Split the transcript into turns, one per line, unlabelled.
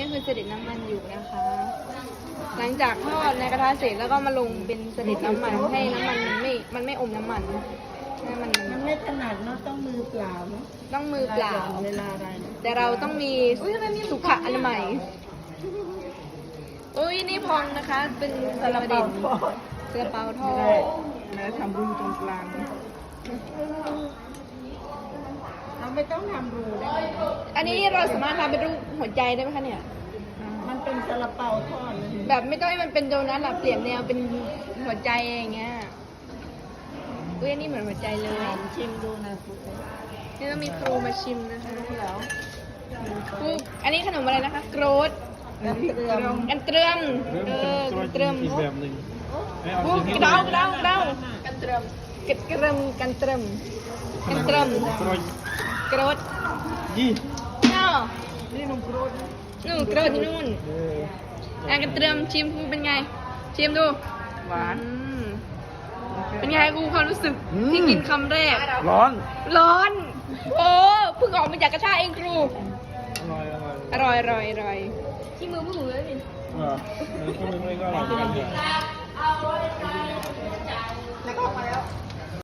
คือเสด็จน้ำมันอยู่นะคะ หลังจากทอดในกระทะเสร็จแล้วก็มาลงเป็นเสด็จน้ำมันให้น้ำมันมันไม่อมน้ำมันให้มัน
ไม่ถนัดเนาะต้องมือเปล่าเนาะ
ต้องมือเปล่า
เวลาอะไรเนี่ย
แต่เราต้องมีสุขอนามัยอุ้ยนี่พองนะคะ เป็นซาลาเปาทอดซาลาเปาทอด
แล้วทำรูตรงกลางเราไม่ต้องทำรูได้ไหม
อันนี้เราสามารถทำเป็นรูปหัวใจได้ไหมคะเนี่ย
มันเป็นซาลาเปาทอดเลย
แบบไม่ต้องให้มันเป็นโดนัทหรอกเปลี่ยนแนวเป็นหัวใจอย่างเงี้ยอุ้ยอันนี้เหมือนหัวใจเลย
ชิมดูนะคุณ
นี่ต้องมีครูมาชิมนะคะแล้วครูอันนี้ขนมอะไรนะคะโกรด
น้ำเกลือ
กันเตรียมกันเตรียม
อีกแบบหนึ่งไม่เอา
ครู
อย่างนี้
กระเดากระเดากันเตรียมกันเตรียมกันเตรียมกันเตรียม
กรอย
โกรด
ยี่
เนาะ
นี่นมกรูด
นู่นโกรดที่นู่นกันเตรียมชิมครูเป็นไงชิมดู
หวาน
เป็นไงครูความรู้สึกที่กินคำแรก
ร้อน
ร้อน โอ้เพิ่งออกมาจากกระทะเองครู
อร่อย
อร่อยอร่อยอร่อยที่มือผู้หญิงเลยนี่
ก็ไม่ก็อร่อยเหมือนกันเนี่ย
แล้วก็ออกมาแล้ว